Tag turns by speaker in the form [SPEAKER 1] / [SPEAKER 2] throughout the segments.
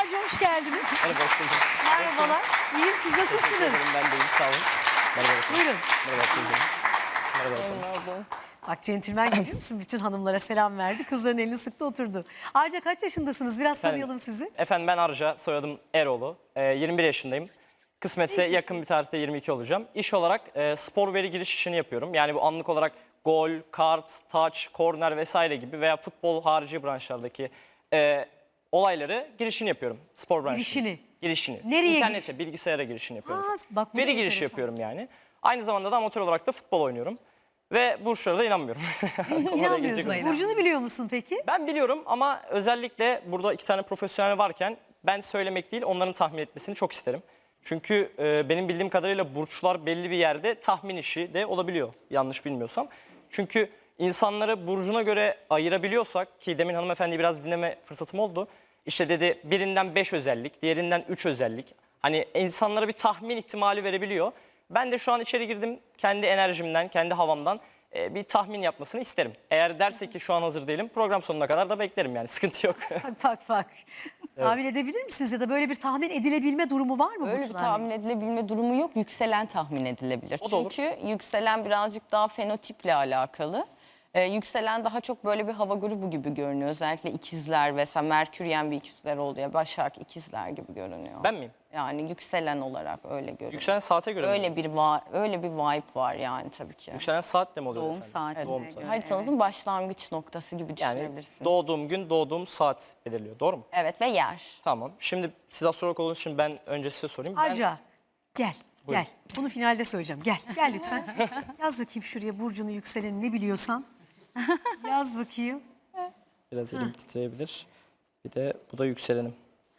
[SPEAKER 1] Arca hoş geldiniz.
[SPEAKER 2] Merhaba, hoş bulduk.
[SPEAKER 1] Merhabalar. İyiyim, siz
[SPEAKER 2] Teşekkür
[SPEAKER 1] nasılsınız?
[SPEAKER 2] ederim, ben de iyiyim, sağ olun. Merhaba efendim.
[SPEAKER 1] Buyurun.
[SPEAKER 2] Merhaba teyzem. Merhaba efendim.
[SPEAKER 1] Bak centilmen görüyor musun? Bütün hanımlara selam verdi. Kızların elini sıktı oturdu. Arca kaç yaşındasınız? Biraz tanıyalım sizi.
[SPEAKER 2] Efendim ben Arca, soyadım Eroğlu. 21 yaşındayım. Kısmetse yakın bir tarihte 22 olacağım. İş olarak spor veri giriş işini yapıyorum. Yani bu anlık olarak gol, kart, touch, korner vesaire gibi veya futbol harici branşlardaki olayları girişini yapıyorum. Spor branşının.
[SPEAKER 1] Girişini?
[SPEAKER 2] Girişini.
[SPEAKER 1] Nereye
[SPEAKER 2] İnternete, bilgisayara girişini yapıyorum.
[SPEAKER 1] Bak bu da
[SPEAKER 2] Veri girişi
[SPEAKER 1] enteresan.
[SPEAKER 2] yapıyorum yani. Aynı zamanda da amatör olarak da futbol oynuyorum. Ve burçlara da inanmıyorum.
[SPEAKER 1] İnanmıyorsunuz. Burcu'nu biliyor musun peki?
[SPEAKER 2] Ben biliyorum ama özellikle burada iki tane profesyonel varken ben söylemek değil onların tahmin etmesini çok isterim. Çünkü benim bildiğim kadarıyla burçlar belli bir yerde tahmin işi de olabiliyor yanlış bilmiyorsam. Çünkü insanları burcuna göre ayırabiliyorsak ki demin hanımefendi biraz dinleme fırsatım oldu. İşte dedi birinden 5 özellik, diğerinden 3 özellik. Hani insanlara bir tahmin ihtimali verebiliyor. Ben de şu an içeri girdim kendi enerjimden, kendi havamdan bir tahmin yapmasını isterim. Eğer derse ki şu an hazır değilim program sonuna kadar da beklerim yani sıkıntı yok.
[SPEAKER 1] Bak. Tahmin edebilir misiniz ya da böyle bir tahmin edilebilme durumu var mı?
[SPEAKER 3] Öyle bir
[SPEAKER 1] burçlarla?
[SPEAKER 3] tahmin edilebilme durumu yok. Yükselen tahmin edilebilir.
[SPEAKER 2] O da olur.
[SPEAKER 3] Çünkü yükselen birazcık daha fenotiple alakalı. Yükselen daha çok böyle bir hava grubu gibi görünüyor. Özellikle ikizler mesela Merküryen bir ikizler oluyor. Başak ikizler gibi görünüyor.
[SPEAKER 2] Ben miyim?
[SPEAKER 3] Yani yükselen olarak öyle görünüyor.
[SPEAKER 2] Yükselen saate göre mi?
[SPEAKER 3] Öyle bir vibe var yani tabii ki.
[SPEAKER 2] Yükselen saatle mi oluyor
[SPEAKER 4] Doğum
[SPEAKER 2] efendim?
[SPEAKER 4] saatine
[SPEAKER 2] Doğum
[SPEAKER 4] göre.
[SPEAKER 2] saati.
[SPEAKER 3] Haritanızın başlangıç noktası gibi
[SPEAKER 2] Yani
[SPEAKER 3] düşünebilirsiniz.
[SPEAKER 2] doğduğum gün doğduğum saat belirliyor doğru mu?
[SPEAKER 3] Evet ve yer.
[SPEAKER 2] Tamam. Şimdi siz astrolog olduğunuz için ben önce size sorayım. Ben
[SPEAKER 1] Arca gel.
[SPEAKER 2] Buyurun.
[SPEAKER 1] Gel. Bunu finalde söyleyeceğim. Gel lütfen. Yaz bakayım şuraya burcunu yükseleni ne biliyorsan. Yaz bakayım.
[SPEAKER 2] biraz elim titreyebilir. Bir de bu da yükselenim.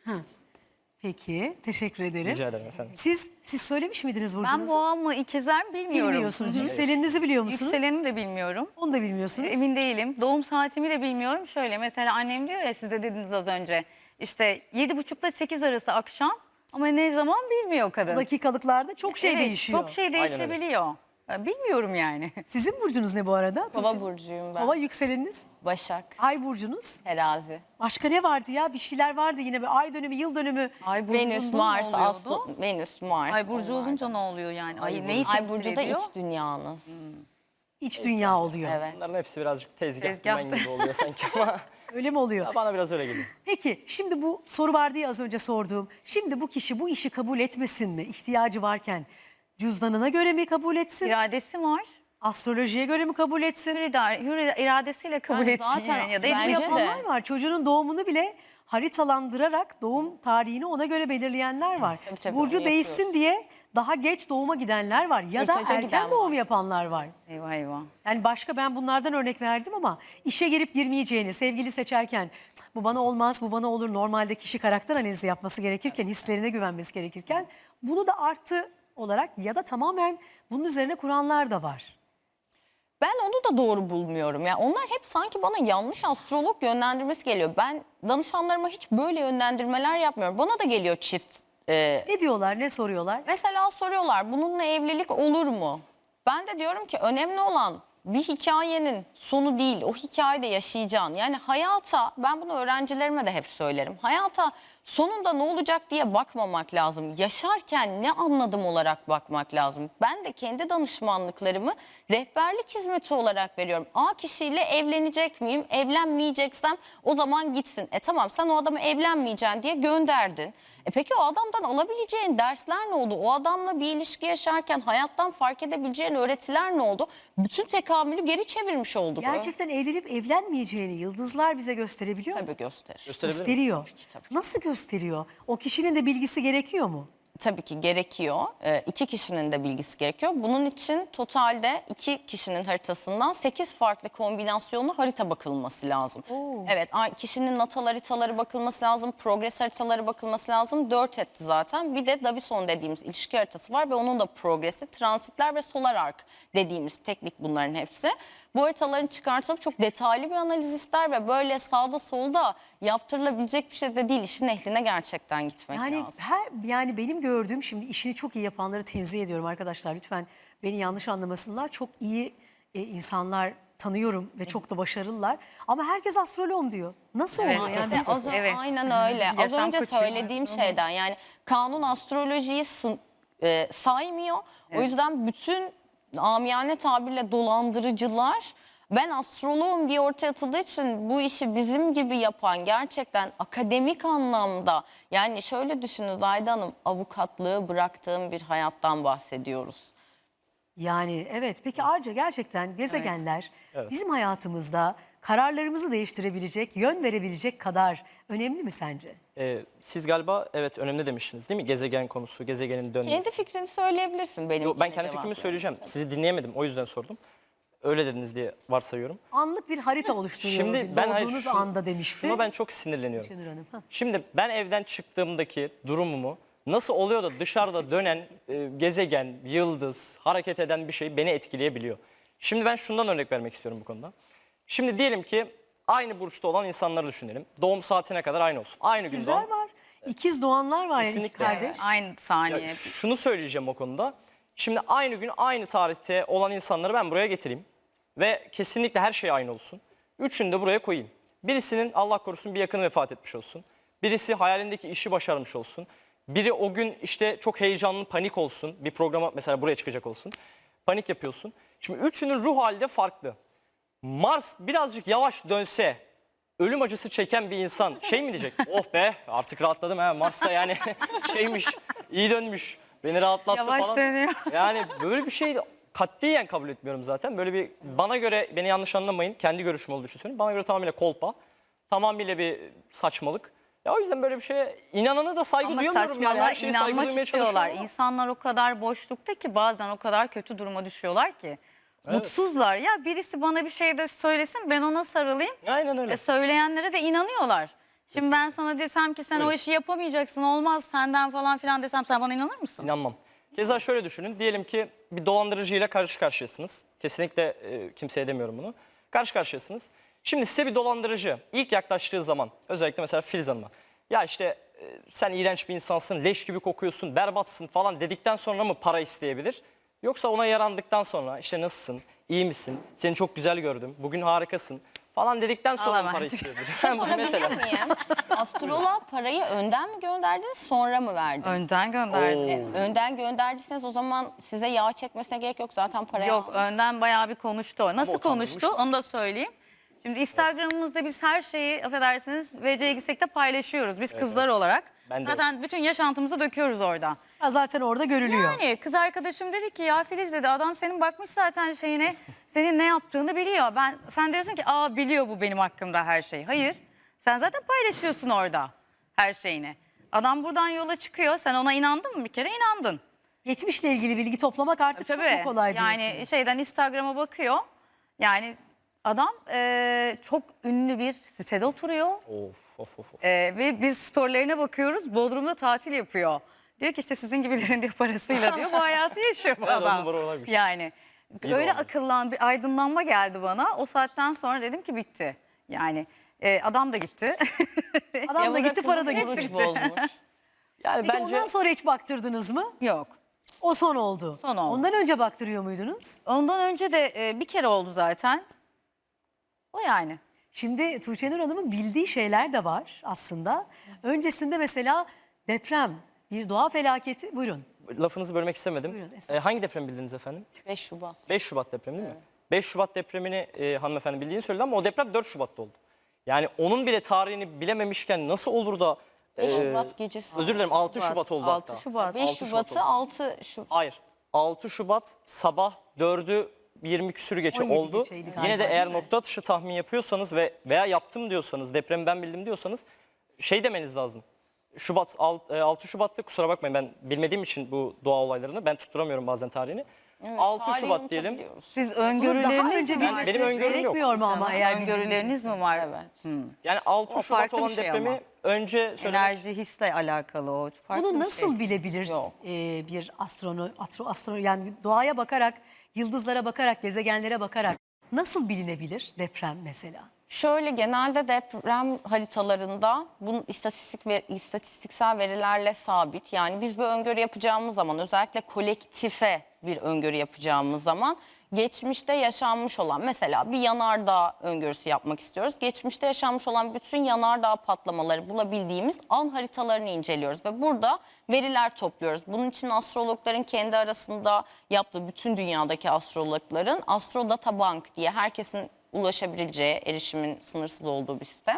[SPEAKER 1] Peki. Teşekkür ederim.
[SPEAKER 2] Rica ederim efendim.
[SPEAKER 1] Siz söylemiş miydiniz burcunuzu?
[SPEAKER 4] Ben boğa mı ikizler mi bilmiyorum.
[SPEAKER 1] Bilmiyorsunuz. Yükseleninizi biliyor musunuz?
[SPEAKER 4] Yükselenimi de bilmiyorum.
[SPEAKER 1] Onu da bilmiyorsunuz.
[SPEAKER 4] Emin değilim. Doğum saatimi de bilmiyorum. Şöyle mesela annem diyor ya siz de dediniz az önce. İşte 7.30 ile 8 arası akşam ama ne zaman bilmiyor kadın.
[SPEAKER 1] Dakikalıklarda çok şey
[SPEAKER 4] Evet,
[SPEAKER 1] değişiyor.
[SPEAKER 4] Çok şey
[SPEAKER 2] öyle.
[SPEAKER 4] değişebiliyor. Ben bilmiyorum yani.
[SPEAKER 1] Sizin burcunuz ne bu arada?
[SPEAKER 3] Kova burcuyum ben.
[SPEAKER 1] Kova yükseleniniz.
[SPEAKER 3] Başak,
[SPEAKER 1] Ay burcunuz.
[SPEAKER 3] terazi.
[SPEAKER 1] Başka ne vardı ya? Bir şeyler vardı yine. Bir ay dönümü, yıl dönümü.
[SPEAKER 4] Ay burcu
[SPEAKER 3] Venüs,
[SPEAKER 4] olunca
[SPEAKER 3] Mars,
[SPEAKER 4] ne oluyordu?
[SPEAKER 3] Aslan, Venüs, Mars.
[SPEAKER 4] Ay burcu
[SPEAKER 3] onlar da.
[SPEAKER 4] olunca ne oluyor yani? Ay neyi
[SPEAKER 3] Ay
[SPEAKER 4] temsil
[SPEAKER 3] burcu da
[SPEAKER 4] ediyor?
[SPEAKER 3] iç dünyanız.
[SPEAKER 1] İç dünya oluyor.
[SPEAKER 3] Evet.
[SPEAKER 2] Bunların hepsi birazcık tezgah
[SPEAKER 4] Tezgah.
[SPEAKER 2] dümen gibi oluyor sanki ama
[SPEAKER 1] Öyle mi oluyor?
[SPEAKER 2] bana biraz öyle geliyor.
[SPEAKER 1] Peki şimdi bu soru vardı ya az önce sorduğum. Şimdi bu kişi bu işi kabul etmesin mi? İhtiyacı varken cüzdanına göre mi kabul etsin?
[SPEAKER 4] İradesi var.
[SPEAKER 1] Astrolojiye göre mi kabul etsin?
[SPEAKER 4] Hür iradesiyle kabul
[SPEAKER 3] Yani
[SPEAKER 4] etsin
[SPEAKER 3] zaten
[SPEAKER 4] yani. Ya da
[SPEAKER 1] Bunu
[SPEAKER 3] bence
[SPEAKER 4] ediliyor.
[SPEAKER 3] de.
[SPEAKER 1] yapanlar var. Çocuğunun doğumunu bile haritalandırarak doğum tarihini ona göre belirleyenler var.
[SPEAKER 3] Tabii,
[SPEAKER 1] Burcu
[SPEAKER 3] onu
[SPEAKER 1] değişsin diye daha geç doğuma gidenler var. Ya da
[SPEAKER 3] Kürtaja
[SPEAKER 1] erken
[SPEAKER 3] giden
[SPEAKER 1] doğum
[SPEAKER 3] var.
[SPEAKER 1] yapanlar var.
[SPEAKER 4] Eyvah eyvah.
[SPEAKER 1] Yani başka ben bunlardan örnek verdim ama işe girip girmeyeceğini, sevgili seçerken bu bana olmaz, bu bana olur. Normalde kişi karakter analizi yapması gerekirken, hislerine güvenmesi gerekirken bunu da artı olarak ya da tamamen bunun üzerine kuranlar da var.
[SPEAKER 3] Ben onu da doğru bulmuyorum. Yani onlar hep sanki bana yanlış astrolog yönlendirmesi geliyor. Ben danışanlarıma hiç böyle yönlendirmeler yapmıyorum. Bana da geliyor çift.
[SPEAKER 1] Ne diyorlar, ne soruyorlar?
[SPEAKER 3] Mesela soruyorlar bununla evlilik olur mu? Ben de diyorum ki önemli olan bir hikayenin sonu değil, o hikayede yaşayacaksın. Yani hayata, ben bunu öğrencilerime de hep söylerim. Hayata sonunda ne olacak diye bakmamak lazım. Yaşarken ne anladım olarak bakmak lazım. Ben de kendi danışmanlıklarımı rehberlik hizmeti olarak veriyorum. A kişiyle evlenecek miyim? Evlenmeyeceksem o zaman gitsin. Tamam sen o adamı evlenmeyeceksin diye gönderdin. Peki o adamdan alabileceğin dersler ne oldu? O adamla bir ilişki yaşarken hayattan fark edebileceğin öğretiler ne oldu? Bütün tekamülü geri çevirmiş olduk.
[SPEAKER 1] Gerçekten evlenip evlenmeyeceğini yıldızlar bize gösterebiliyor mu?
[SPEAKER 3] Tabii gösterir.
[SPEAKER 2] Gösterebilir miyim?
[SPEAKER 1] Gösteriyor.
[SPEAKER 3] tabii.
[SPEAKER 1] Nasıl gösteriyor? O kişinin de bilgisi gerekiyor mu?
[SPEAKER 3] Tabii ki gerekiyor. İki kişinin de bilgisi gerekiyor. Bunun için totalde iki kişinin haritasından 8 farklı kombinasyonlu harita bakılması lazım.
[SPEAKER 1] Oo.
[SPEAKER 3] Evet, kişinin natal haritaları bakılması lazım, progres haritaları bakılması lazım. 4 etti zaten. Bir de Davison dediğimiz ilişki haritası var ve onun da progresi, transitler ve solar arc dediğimiz teknik bunların hepsi. Bu haritaların çıkartılıp çok detaylı bir analiz ister ve böyle sağda solda yaptırılabilecek bir şey de değil. İşin ehline gerçekten gitmek
[SPEAKER 1] Yani
[SPEAKER 3] lazım.
[SPEAKER 1] yani benim gördüğüm şimdi işini çok iyi yapanları tenzih ediyorum arkadaşlar. Lütfen beni yanlış anlamasınlar. Çok iyi insanlar tanıyorum ve çok da başarılılar. Ama herkes astrologum diyor. Nasıl
[SPEAKER 4] Evet,
[SPEAKER 1] oluyor?
[SPEAKER 3] İşte
[SPEAKER 1] Yani biz-
[SPEAKER 4] Evet.
[SPEAKER 3] aynen öyle. Az
[SPEAKER 4] Yaşam
[SPEAKER 3] önce
[SPEAKER 4] koçuyum.
[SPEAKER 3] söylediğim şeyden, yani kanun astrolojiyi saymıyor. O yüzden bütün amiyane tabirle dolandırıcılar ben astroloğum diye ortaya atıldığı için bu işi bizim gibi yapan, gerçekten akademik anlamda, yani şöyle düşünün Zahide Hanım, avukatlığı bıraktığım bir hayattan bahsediyoruz.
[SPEAKER 1] Yani evet. Peki Arca, gerçekten gezegenler bizim hayatımızda kararlarımızı değiştirebilecek, yön verebilecek kadar önemli mi sence?
[SPEAKER 2] Siz galiba evet önemli demiştiniz değil mi? Gezegen konusu, gezegenin dönmesi.
[SPEAKER 3] Kendi fikrini söyleyebilirsin benim.
[SPEAKER 2] Yo, ben kendi fikrimi söyleyeceğim. Sizi dinleyemedim, o yüzden sordum. Öyle dediniz diye varsayıyorum.
[SPEAKER 1] Anlık bir harita oluşturuyor.
[SPEAKER 2] Şimdi ben hayır,
[SPEAKER 1] Doğduğunuz anda demişti.
[SPEAKER 2] şuna ben çok sinirleniyorum.
[SPEAKER 1] Şenur Hanım. Hah.
[SPEAKER 2] Şimdi ben evden çıktığımdaki durumumu nasıl oluyor da dışarıda dönen gezegen, yıldız, hareket eden bir şey beni etkileyebiliyor. Şimdi ben şundan örnek vermek istiyorum bu konuda. Şimdi diyelim ki aynı burçta olan insanları düşünelim. Doğum saatine kadar aynı olsun. Aynı gün
[SPEAKER 1] İkizler
[SPEAKER 2] doğan.
[SPEAKER 1] var. İkiz doğanlar var yani, iki
[SPEAKER 2] Kesinlikle.
[SPEAKER 1] kardeş.
[SPEAKER 4] Aynı saniye.
[SPEAKER 2] Ya şunu söyleyeceğim o konuda. Şimdi aynı gün aynı tarihte olan insanları ben buraya getireyim. Ve kesinlikle her şey aynı olsun. Üçünü de buraya koyayım. Birisinin Allah korusun bir yakını vefat etmiş olsun. Birisi hayalindeki işi başarmış olsun. Biri o gün işte çok heyecanlı, panik olsun. Bir programa mesela buraya çıkacak olsun. Panik yapıyorsun. Şimdi üçünün ruh hali de farklı. Mars birazcık yavaş dönse, ölüm acısı çeken bir insan şey mi diyecek? Oh be artık rahatladım ha, Mars'ta yani şeymiş, iyi dönmüş, beni rahatlattı
[SPEAKER 4] Yavaş
[SPEAKER 2] falan.
[SPEAKER 4] dönüyor.
[SPEAKER 2] Yani böyle bir şey katiyen kabul etmiyorum zaten. Böyle bir, bana göre, beni yanlış anlamayın, kendi görüşüm olduğu için söylüyorum. Bana göre tamamıyla kolpa, tamamıyla bir saçmalık. Ya o yüzden böyle bir şeye inanana da saygı
[SPEAKER 4] Ama
[SPEAKER 2] duyamıyorum yani.
[SPEAKER 4] saçmalığa
[SPEAKER 2] Her şeye saygı
[SPEAKER 4] inanmak
[SPEAKER 2] duymaya
[SPEAKER 4] istiyorlar.
[SPEAKER 2] çalışıyorum ama.
[SPEAKER 4] İnsanlar o kadar boşlukta ki bazen o kadar kötü duruma düşüyorlar ki. Mutsuzlar. Ya birisi bana bir şey de söylesin, ben ona sarılayım.
[SPEAKER 2] Aynen öyle.
[SPEAKER 4] Söyleyenlere de inanıyorlar. Şimdi ben sana desem ki sen o işi yapamayacaksın, olmaz senden falan filan desem, sen bana inanır mısın?
[SPEAKER 2] İnanmam. Keza şöyle düşünün. Diyelim ki bir dolandırıcıyla karşı karşıyasınız. Kesinlikle kimseye demiyorum bunu. Karşı karşıyasınız. Şimdi size bir dolandırıcı ilk yaklaştığı zaman, özellikle mesela Filiz Hanım'a, ya işte sen iğrenç bir insansın, leş gibi kokuyorsun, berbatsın falan dedikten sonra mı para isteyebilir? Yoksa ona yarandıktan sonra işte nasılsın, iyi misin, seni çok güzel gördüm, bugün harikasın falan dedikten sonra mı
[SPEAKER 4] Alamam.
[SPEAKER 2] para isteyebilir?
[SPEAKER 3] Sorabilir
[SPEAKER 2] Mesela.
[SPEAKER 3] miyim? Astroloğa parayı önden mi gönderdiniz, sonra mı verdiniz?
[SPEAKER 4] Önden gönderdi.
[SPEAKER 3] Önden gönderdiyseniz o zaman size yağ çekmesine gerek yok, zaten parayı
[SPEAKER 4] Yok,
[SPEAKER 3] almış.
[SPEAKER 4] önden bayağı bir konuştu o. Nasıl
[SPEAKER 2] o tanınmış.
[SPEAKER 4] konuştu onu da söyleyeyim. Şimdi Instagram'ımızda biz her şeyi, affedersiniz, VC'ye gitsek de paylaşıyoruz biz kızlar olarak.
[SPEAKER 2] Ben de
[SPEAKER 4] Zaten bütün yaşantımızı döküyoruz orada.
[SPEAKER 1] Ya zaten orada görülüyor.
[SPEAKER 4] Yani kız arkadaşım dedi ki ya Filiz dedi, adam senin bakmış zaten şeyine, senin ne yaptığını biliyor. Sen diyorsun ki biliyor bu benim hakkımda her şeyi. Hayır, sen zaten paylaşıyorsun orada her şeyini. Adam buradan yola çıkıyor, sen ona inandın mı bir kere? İnandın.
[SPEAKER 1] Geçmişle ilgili bilgi toplamak artık çok
[SPEAKER 4] Tabii
[SPEAKER 1] mu kolay
[SPEAKER 4] yani
[SPEAKER 1] diyorsunuz?
[SPEAKER 4] şeyden Instagram'a bakıyor. Yani adam çok ünlü bir sitede oturuyor.
[SPEAKER 2] Of.
[SPEAKER 4] Ve biz storylerine bakıyoruz. Bodrum'da tatil yapıyor. Diyor ki işte sizin gibilerin diyor parasıyla diyor bu hayatı yaşıyor bu
[SPEAKER 2] Evet, on
[SPEAKER 4] adam.
[SPEAKER 2] numara olaymış.
[SPEAKER 4] Yani
[SPEAKER 2] İyi
[SPEAKER 4] öyle
[SPEAKER 2] olmuş.
[SPEAKER 4] bir aydınlanma geldi bana. O saatten sonra dedim ki bitti. Yani adam da gitti.
[SPEAKER 1] Adam da
[SPEAKER 3] Yavura
[SPEAKER 1] gitti,
[SPEAKER 3] kızı
[SPEAKER 1] para da
[SPEAKER 3] oruç
[SPEAKER 1] gitti.
[SPEAKER 3] bozmuş.
[SPEAKER 2] Yani
[SPEAKER 1] Peki
[SPEAKER 2] bence
[SPEAKER 1] ondan sonra hiç baktırdınız mı?
[SPEAKER 4] Yok.
[SPEAKER 1] O son oldu.
[SPEAKER 4] Son oldu.
[SPEAKER 1] Ondan önce baktırıyor muydunuz?
[SPEAKER 4] Ondan önce de bir kere oldu zaten. O yani.
[SPEAKER 1] Şimdi Tuğçe Nur Hanım'ın bildiği şeyler de var aslında. Öncesinde mesela deprem, bir doğa felaketi. Buyurun.
[SPEAKER 2] lafınızı bölmek istemedim.
[SPEAKER 1] Buyurun, estağfurullah.
[SPEAKER 2] Hangi depremi bildiniz efendim?
[SPEAKER 3] 5 Şubat.
[SPEAKER 2] 5 Şubat depremi değil mi? 5 Şubat depremini hanımefendi bildiğini söyledi ama o deprem 4 Şubat'ta oldu. Yani onun bile tarihini bilememişken nasıl olur da...
[SPEAKER 3] 5 Şubat gecesi.
[SPEAKER 2] Özür dilerim 6 Şubat oldu
[SPEAKER 4] 6
[SPEAKER 2] hatta.
[SPEAKER 4] Şubat.
[SPEAKER 3] 5
[SPEAKER 2] 6 Şubat
[SPEAKER 3] Şubat'ı
[SPEAKER 2] oldu.
[SPEAKER 3] 6 Şubat.
[SPEAKER 2] Hayır. 6 Şubat sabah 4'ü 20 küsürü geçe
[SPEAKER 1] 17
[SPEAKER 2] oldu.
[SPEAKER 1] geçeydi galiba,
[SPEAKER 2] Yine de
[SPEAKER 1] değil
[SPEAKER 2] eğer
[SPEAKER 1] mi?
[SPEAKER 2] nokta atışı tahmin yapıyorsanız veya yaptım diyorsanız, depremi ben bildim diyorsanız şey demeniz lazım. 6 Şubat'ta, kusura bakmayın ben bilmediğim için bu doğa olaylarını ben tutturamıyorum bazen tarihini. 6
[SPEAKER 3] Tarihi
[SPEAKER 2] Şubat diyelim.
[SPEAKER 3] unutabiliyoruz.
[SPEAKER 4] Siz
[SPEAKER 1] Bunu daha
[SPEAKER 4] öngörüleriniz
[SPEAKER 1] önce
[SPEAKER 4] mi
[SPEAKER 2] Ben-
[SPEAKER 4] var?
[SPEAKER 1] bilmesi
[SPEAKER 2] benim öngörüm yok.
[SPEAKER 1] gerekmiyor mu ama eğer
[SPEAKER 4] Öngörüleriniz mi var?
[SPEAKER 3] Evet.
[SPEAKER 2] Yani 6
[SPEAKER 4] O
[SPEAKER 2] Şubat
[SPEAKER 4] farklı bir
[SPEAKER 2] olan
[SPEAKER 4] şey
[SPEAKER 2] depremi
[SPEAKER 4] ama.
[SPEAKER 2] önce söylemek
[SPEAKER 4] Enerji, hisle alakalı o. Farklı
[SPEAKER 1] Bunu
[SPEAKER 4] bir
[SPEAKER 1] nasıl
[SPEAKER 4] şey.
[SPEAKER 1] bilebilir
[SPEAKER 3] Yok.
[SPEAKER 1] bir yani doğaya bakarak, yıldızlara bakarak, gezegenlere bakarak nasıl bilinebilir deprem mesela?
[SPEAKER 3] Şöyle, genelde deprem haritalarında bunun istatistiksel verilerle sabit. Yani biz bir öngörü yapacağımız zaman özellikle kolektife bir öngörü yapacağımız zaman geçmişte yaşanmış olan, mesela bir yanardağ öngörüsü yapmak istiyoruz. Geçmişte yaşanmış olan bütün yanardağ patlamaları bulabildiğimiz an haritalarını inceliyoruz ve burada veriler topluyoruz. Bunun için astrologların kendi arasında yaptığı, bütün dünyadaki astrologların Astrodata Bank diye herkesin ulaşabileceği, erişimin sınırsız olduğu bir sistem.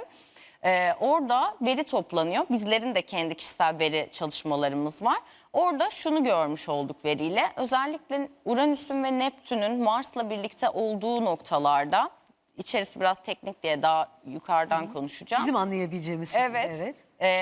[SPEAKER 3] Orada veri toplanıyor. Bizlerin de kendi kişisel veri çalışmalarımız var. Orada şunu görmüş olduk veriyle. Özellikle Uranüs'ün ve Neptün'ün Mars'la birlikte olduğu noktalarda, içerisi biraz teknik diye daha yukarıdan konuşacağım.
[SPEAKER 1] Bizim anlayabileceğimiz şekilde.
[SPEAKER 3] Evet.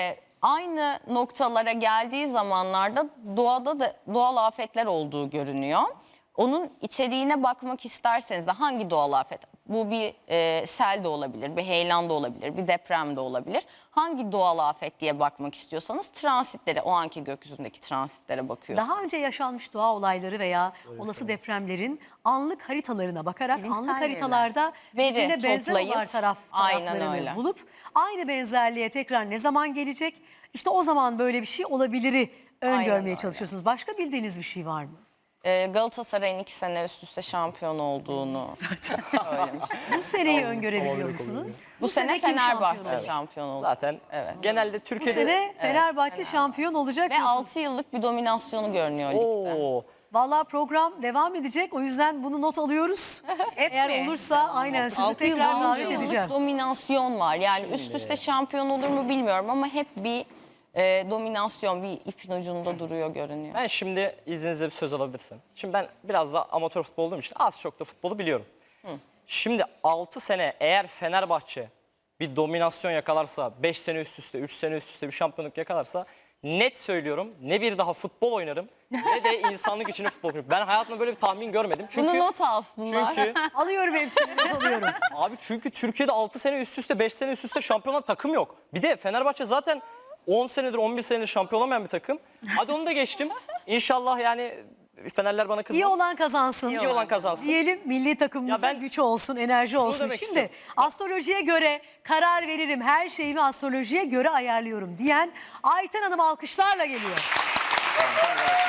[SPEAKER 3] Aynı noktalara geldiği zamanlarda doğada da doğal afetler olduğu görünüyor. Onun içeriğine bakmak isterseniz de hangi doğal afet? Bu bir sel de olabilir, bir heyelan da olabilir, bir deprem de olabilir. Hangi doğal afet diye bakmak istiyorsanız transitlere, o anki gökyüzündeki transitlere bakıyorsunuz.
[SPEAKER 1] Daha önce yaşanmış doğa olayları veya olası depremlerin anlık haritalarına bakarak
[SPEAKER 4] Bilimsel
[SPEAKER 1] anlık
[SPEAKER 4] veriler.
[SPEAKER 1] haritalarda
[SPEAKER 3] Veri
[SPEAKER 1] birbirine benzer
[SPEAKER 3] toplayıp,
[SPEAKER 1] olan
[SPEAKER 3] aynen
[SPEAKER 1] taraflarını
[SPEAKER 3] öyle.
[SPEAKER 1] bulup aynı benzerliğe tekrar ne zaman gelecek? İşte o zaman böyle bir şey olabiliri
[SPEAKER 3] Aynen
[SPEAKER 1] öngörmeye
[SPEAKER 3] öyle.
[SPEAKER 1] çalışıyorsunuz. Başka bildiğiniz bir şey var mı?
[SPEAKER 3] Galatasaray'ın 2 sene üst üste şampiyon olduğunu söylemiş.
[SPEAKER 1] Bu seneyi öngörebiliyor musunuz?
[SPEAKER 3] Bu sene
[SPEAKER 1] kim
[SPEAKER 3] Fenerbahçe
[SPEAKER 1] şampiyon olacak?
[SPEAKER 3] şampiyon oldu.
[SPEAKER 2] Zaten
[SPEAKER 3] Evet.
[SPEAKER 2] genelde
[SPEAKER 1] Bu
[SPEAKER 2] Türkiye'de...
[SPEAKER 1] sene Fenerbahçe şampiyon olacak
[SPEAKER 3] Ve
[SPEAKER 1] diyorsunuz.
[SPEAKER 3] 6 yıllık bir dominasyonu görünüyor ligde.
[SPEAKER 2] Oo,
[SPEAKER 1] Vallahi program devam edecek. O yüzden bunu not alıyoruz. Eğer
[SPEAKER 4] mi?
[SPEAKER 1] olursa aynen sizi
[SPEAKER 3] 6
[SPEAKER 1] tekrar
[SPEAKER 3] yıl
[SPEAKER 1] davet
[SPEAKER 3] boyunca
[SPEAKER 1] edeceğim.
[SPEAKER 3] dominasyon var. Yani üst üste şampiyon olur mu bilmiyorum ama hep bir dominasyon, bir ipin ucunda duruyor görünüyor.
[SPEAKER 2] ben şimdi izninizle bir söz alabilirsem. Şimdi ben biraz da amatör futbol olduğum için az çok da futbolu biliyorum. Şimdi 6 sene eğer Fenerbahçe bir dominasyon yakalarsa, 5 sene üst üste, 3 sene üst üste bir şampiyonluk yakalarsa net söylüyorum ne bir daha futbol oynarım ne de insanlık için futbol oynarım. Ben hayatımda böyle bir tahmin görmedim. Çünkü,
[SPEAKER 3] Bunu not alsınlar.
[SPEAKER 2] çünkü
[SPEAKER 1] Alıyorum hepsini, not alıyorum.
[SPEAKER 2] abi çünkü Türkiye'de 6 sene üst üste 5 sene üst üste şampiyonlar takım yok. Bir de Fenerbahçe zaten 10 senedir 11 senedir şampiyon olamayan bir takım. Hadi onu da geçtim. İnşallah yani Fenerler bana kızmaz.
[SPEAKER 1] İyi olan kazansın.
[SPEAKER 2] İyi olan kazansın.
[SPEAKER 1] Diyelim milli takımımıza
[SPEAKER 2] Ya ben
[SPEAKER 1] güç olsun, enerji olsun.
[SPEAKER 2] demek
[SPEAKER 1] Şimdi
[SPEAKER 2] istiyorum.
[SPEAKER 1] astrolojiye göre karar veririm, her şeyimi astrolojiye göre ayarlıyorum diyen Ayten Hanım alkışlarla geliyor.